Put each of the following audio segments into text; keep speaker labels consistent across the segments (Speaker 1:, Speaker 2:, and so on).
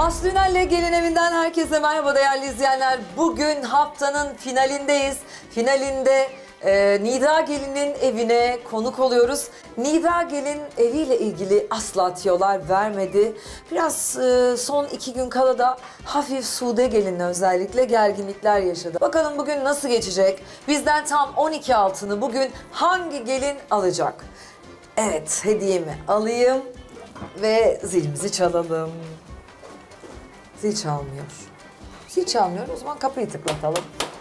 Speaker 1: Aslı Ünal'le Gelin Evi'nden herkese merhaba değerli izleyenler. Bugün haftanın finalindeyiz. Finalinde Nida Gelin'in evine konuk oluyoruz. Nida Gelin eviyle ilgili asla tiyolar vermedi. Biraz son 2 gün kala da hafif Sude Gelin'le özellikle gerginlikler yaşadı. Bakalım bugün nasıl geçecek? Bizden tam 12 altını bugün hangi gelin alacak? Evet, hediyemi alayım ve zilimizi çalalım. Zil çalmıyor. Zil çalmıyor. O zaman kapıyı tıklatalım.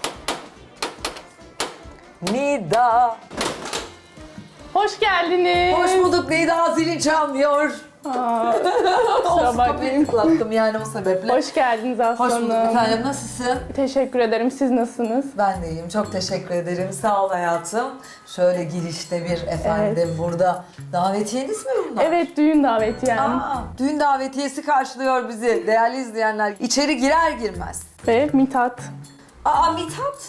Speaker 1: Nida.
Speaker 2: Hoş geldiniz.
Speaker 1: Hoş bulduk Nida. Zilin çalmıyor.
Speaker 2: Kusura
Speaker 1: Kapıyı
Speaker 2: bakmayın.
Speaker 1: tıklattım yani o sebeple.
Speaker 2: Hoş geldiniz Aslı
Speaker 1: Hoş bulduk
Speaker 2: Hanım.
Speaker 1: efendim. Nasılsın?
Speaker 2: Teşekkür ederim. Siz nasılsınız?
Speaker 1: Ben de iyiyim. Çok teşekkür ederim. Sağ ol hayatım. Şöyle girişte bir efendim burada. Davetiyeniz mi bunlar?
Speaker 2: Evet, düğün daveti yani.
Speaker 1: Düğün davetiyesi karşılıyor bizi değerli izleyenler. İçeri girer girmez.
Speaker 2: Ve Mithat.
Speaker 1: Mithat.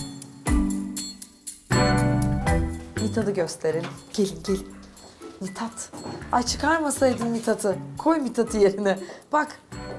Speaker 1: Mithat'ı gösterelim. Gelin. Mithat. Ay çıkarmasaydın Mithat'ı. Koy Mithat'ı yerine. Bak.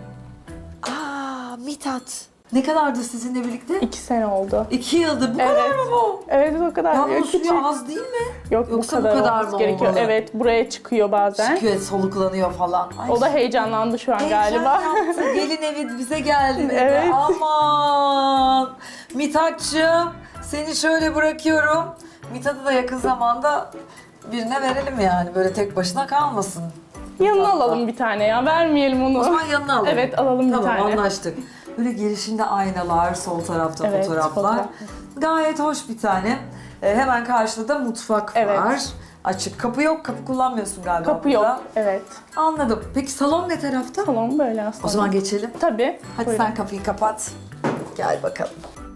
Speaker 1: Mithat. Ne kadardı sizinle birlikte?
Speaker 2: 2 sene oldu.
Speaker 1: 2 yıldır. Bu kadar mı bu?
Speaker 2: Evet, o kadar.
Speaker 1: Ya
Speaker 2: diyor.
Speaker 1: bu
Speaker 2: Küçük.
Speaker 1: suyu az değil mi?
Speaker 2: Yok,
Speaker 1: Yoksa
Speaker 2: bu kadar,
Speaker 1: mı
Speaker 2: olması gerekiyor.
Speaker 1: olmalı?
Speaker 2: Evet, buraya çıkıyor bazen.
Speaker 1: Çıkıyor, soluklanıyor falan. Ay,
Speaker 2: O da heyecanlandı şu an galiba.
Speaker 1: heyecan yaptı. Gelin evi bize geldi dedi.
Speaker 2: Evet.
Speaker 1: Aman. Mithat'cığım seni şöyle bırakıyorum. Mithat'ı da yakın zamanda birine verelim yani. Böyle tek başına kalmasın.
Speaker 2: Yanına alalım bir tane ya. Vermeyelim onu.
Speaker 1: O zaman yanına alalım.
Speaker 2: Evet, alalım bir tane.
Speaker 1: Tamam anlaştık. Böyle girişinde aynalar, sol tarafta
Speaker 2: Evet,
Speaker 1: fotoğraflar.
Speaker 2: fotoğraf.
Speaker 1: Gayet hoş bir tane. Hemen karşıda da mutfak
Speaker 2: Evet.
Speaker 1: var. Açık. Kapı yok. Kapı kullanmıyorsun galiba.
Speaker 2: Kapı
Speaker 1: burada.
Speaker 2: yok. Evet.
Speaker 1: Anladım. Peki salon ne tarafta?
Speaker 2: Tamam, böyle aslında.
Speaker 1: O zaman geçelim.
Speaker 2: Tabii.
Speaker 1: Hadi
Speaker 2: Buyurun.
Speaker 1: sen kapıyı kapat. Gel bakalım.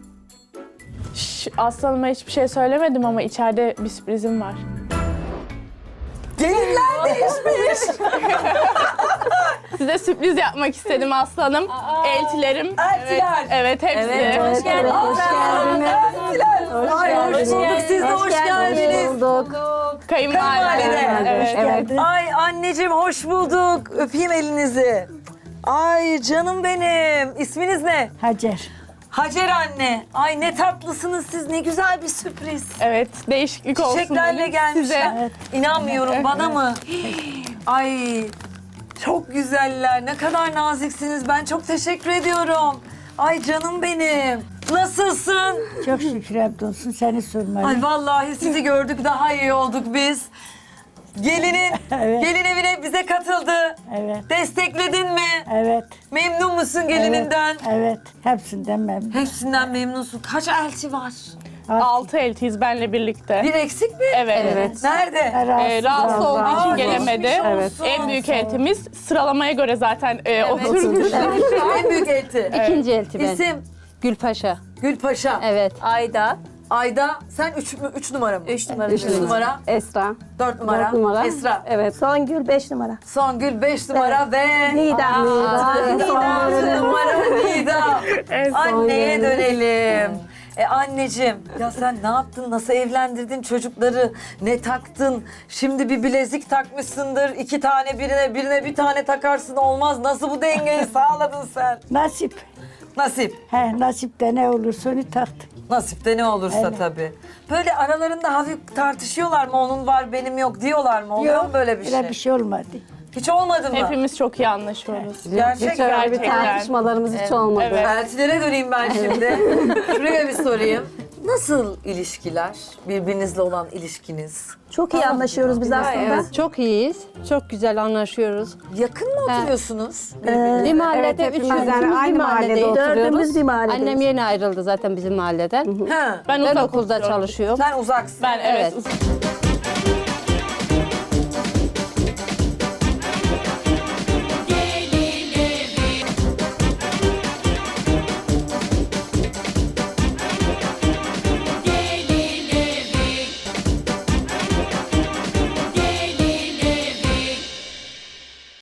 Speaker 2: Aslı Hanım'a hiçbir şey söylemedim ama içeride bir sürprizim var.
Speaker 1: Gelinler değişmiş.
Speaker 2: Size sürpriz yapmak istedim Aslı Hanım. Eltilerim.
Speaker 1: Eltiler.
Speaker 2: Evet, hepsi.
Speaker 3: Hoş geldiniz.
Speaker 1: Hoş geldiniz. Ay hoş bulduk. Siz de hoş geldiniz.
Speaker 2: Kayınvalide.
Speaker 1: Kayınvalide.
Speaker 2: Evet.
Speaker 1: Ay anneciğim hoş bulduk. Öpeyim elinizi. Ay canım benim. İsminiz ne?
Speaker 3: Hacer.
Speaker 1: Hacer anne. Ay ne tatlısınız siz. Ne güzel bir sürpriz.
Speaker 2: Evet, değişiklik olsun
Speaker 1: Çiçeklerle
Speaker 2: dedim
Speaker 1: gelmişler.
Speaker 2: size.
Speaker 1: İnanmıyorum bana mı? Ay çok güzeller. Ne kadar naziksiniz. Ben çok teşekkür ediyorum. Ay canım benim. Nasılsın?
Speaker 3: Çok şükür hamdolsun seni sormalı.
Speaker 1: Ay vallahi sizi gördük daha iyi olduk biz. Gelinin,
Speaker 3: Evet.
Speaker 1: gelin evine bize katıldı.
Speaker 3: Evet.
Speaker 1: Destekledin mi?
Speaker 3: Evet.
Speaker 1: Memnun musun gelininden?
Speaker 3: Evet. Hepsinden memnun.
Speaker 1: Hepsinden memnunsun. Kaç elti var?
Speaker 2: 6 eltiyiz benle birlikte.
Speaker 1: Bir eksik mi?
Speaker 2: Evet.
Speaker 1: Nerede?
Speaker 2: Rahatsız olduğu için
Speaker 1: Aa,
Speaker 2: gelemedi.
Speaker 1: geçmiş olsun.
Speaker 2: En büyük eltimiz sıralamaya göre zaten oturmuş.
Speaker 1: En büyük elti.
Speaker 4: İkinci elti ben.
Speaker 1: İsim?
Speaker 4: Gülpaşa.
Speaker 1: Gülpaşa.
Speaker 4: Evet.
Speaker 5: Ayda.
Speaker 1: Ayda sen 3 numara mı?
Speaker 5: 3 numara.
Speaker 1: 3 numara.
Speaker 4: Esra.
Speaker 1: 4 numara.
Speaker 4: 4 numara.
Speaker 1: Esra.
Speaker 4: Evet.
Speaker 5: Songül 5 numara.
Speaker 1: Songül 5 numara ve...
Speaker 5: Nida.
Speaker 1: Nida 6 numara Nida. Anneye dönelim. Anneciğim ya sen ne yaptın? Nasıl evlendirdin çocukları? Ne taktın? Şimdi bir bilezik takmışsındır. 2 tane birine bir tane takarsın olmaz. Nasıl bu dengeyi sağladın sen?
Speaker 3: Nasip.
Speaker 1: Nasip.
Speaker 3: Nasipte ne olursa onu taktım.
Speaker 1: Nasipte ne olursa
Speaker 3: Evet.
Speaker 1: tabii. Böyle aralarında hafif tartışıyorlar mı? Onun var benim yok diyorlar mı? Oluyor mu böyle bir şey?
Speaker 3: Öyle bir şey olmadı.
Speaker 1: Hiç olmadı mı?
Speaker 2: Hepimiz çok iyi anlaşıyoruz.
Speaker 1: Gerçek
Speaker 4: Hiç öyle bir
Speaker 2: Gerçekten.
Speaker 4: tartışmalarımız hiç olmadı.
Speaker 2: Evet.
Speaker 1: Eltilere döneyim ben şimdi. Şuraya bir sorayım. Nasıl ilişkiler? Birbirinizle olan ilişkiniz?
Speaker 5: Çok iyi anlaşıyoruz biz aslında.
Speaker 4: Evet, çok iyiyiz. Çok güzel anlaşıyoruz.
Speaker 1: Yakın mı oturuyorsunuz?
Speaker 4: Bir mahallede,
Speaker 3: evet,
Speaker 4: üçümüz
Speaker 3: hepimiz
Speaker 4: yani aynı mahallede oturuyoruz.
Speaker 5: Dördümüz bir mahalledeyiz.
Speaker 4: Annem yeni ayrıldı zaten bizim mahalleden.
Speaker 1: Ha.
Speaker 2: Ben
Speaker 4: Ben
Speaker 2: uzak
Speaker 4: okulda
Speaker 2: oturuyorum.
Speaker 4: çalışıyorum.
Speaker 1: Sen uzaksın.
Speaker 2: Ben evet.
Speaker 4: Evet.